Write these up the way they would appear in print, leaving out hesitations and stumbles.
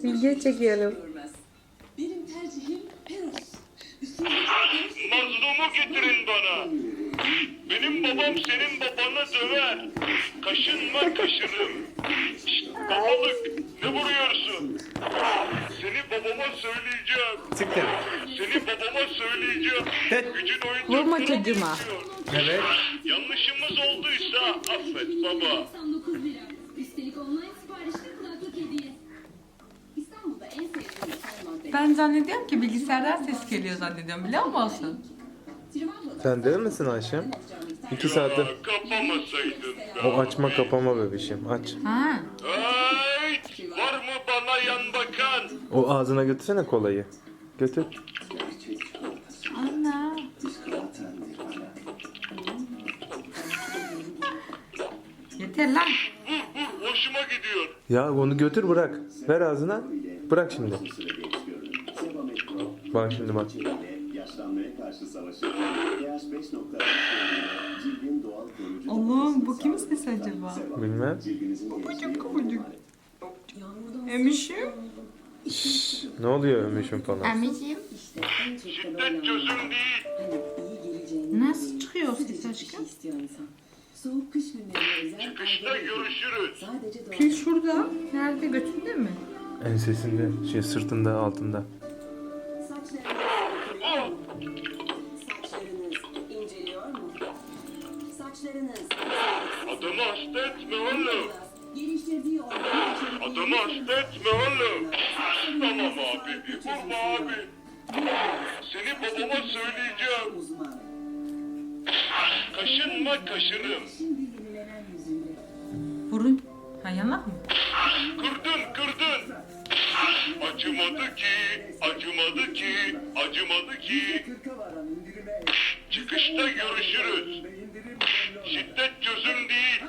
Video çekiyorum. Benim tercihim Peros. Mazlumu getirin bana. Benim babam senin babanı döver. Kaşınma kaşınım. Şşt, babalık ne vuruyorsun? Seni babama söyleyeceğim. Siktir. Seni babama söyleyeceğim. Gücün Vurma oyuncakları çocuğuma. oynuyor. Evet. Yanlışımız olduysa affet baba. 99 lira. Üstelik online siparişli kulaklık hediye. İstanbul'da en sevdiğim Selman Ben zannediyorum ki bilgisayardan ses geliyor zannediyorum, biliyor musun? Sen değil misin Ayşem? 2 saattir. Kapamasaydın. O açma kapama bebişim. Aç. Ha. Ay, var mı bana yan bakan? O ağzına götürsene kolayı. Götür. Ana. Yeter lan. Hoşuma gidiyor. Ya onu götür bırak. Ver ağzına. Bırak şimdi. Bak şimdi bak. Yaşlanmaya karşı savaşı pH 5.5 cildin doğal koruyucu Allah'ım, bu kimin sesi acaba? Bilmem. Kubucuk. Emişim. Ne oluyor ömüşüm falan. Emişim. Şiddet çözüm değil. Nasıl çıkıyor ses aşkım? Soğuk kış günlerine özel Çıkışta görüşürüz. sadece doğal Pil şurada. Nerede, götünde mi? Ensesinde, sırtında, altında. saçlarınız inceliyor mu? Saçlarınız Adamı hasta etme oğlum. geliştirdiği organ Adamı hasta etme oğlum. Tamam abi. Vurma abi. Seni babama söyleyeceğim. uzmanı. Kaşınma kaşınım. Şimdi yenilenen yüzüyle. Vurun. Ha, yanak mı? Kırdın. Acımadı ki, acımadı ki, acımadı ki. Çıkışta görüşürüz. Şiddet çözüm değil.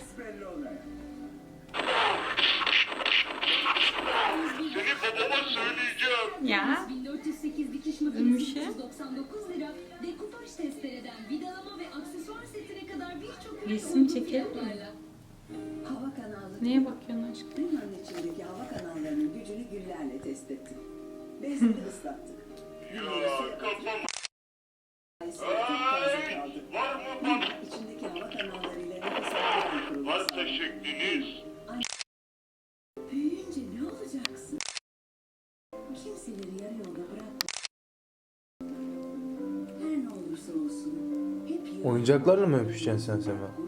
Seni babama söyleyeceğim. Ya. 1408 dikiş Ölmüş makinesi ya. 199 lira. Dekupaj testereden vidalama ve aksesuar setine kadar birçok Resim çekelim mi? fiyatlarla. Hava kanalı. Neye bakıyorsun aşkım? Dünyanın içindeki hava kanallarının gücünü güllerle test ettik. Bezleri ıslattık. Ya kafam. Sayısıyla çok fazla Ay, kaldı. var mı bana? İçindeki hava kanallarıyla nefes almadan kurulu. Varsa şekliniz. Büyüyünce ne olacaksın? Kimseleri yarı yolda bırakma. Her ne olursa olsun hep yolunda Oyuncaklarla mı öpüşeceksin sen Sema?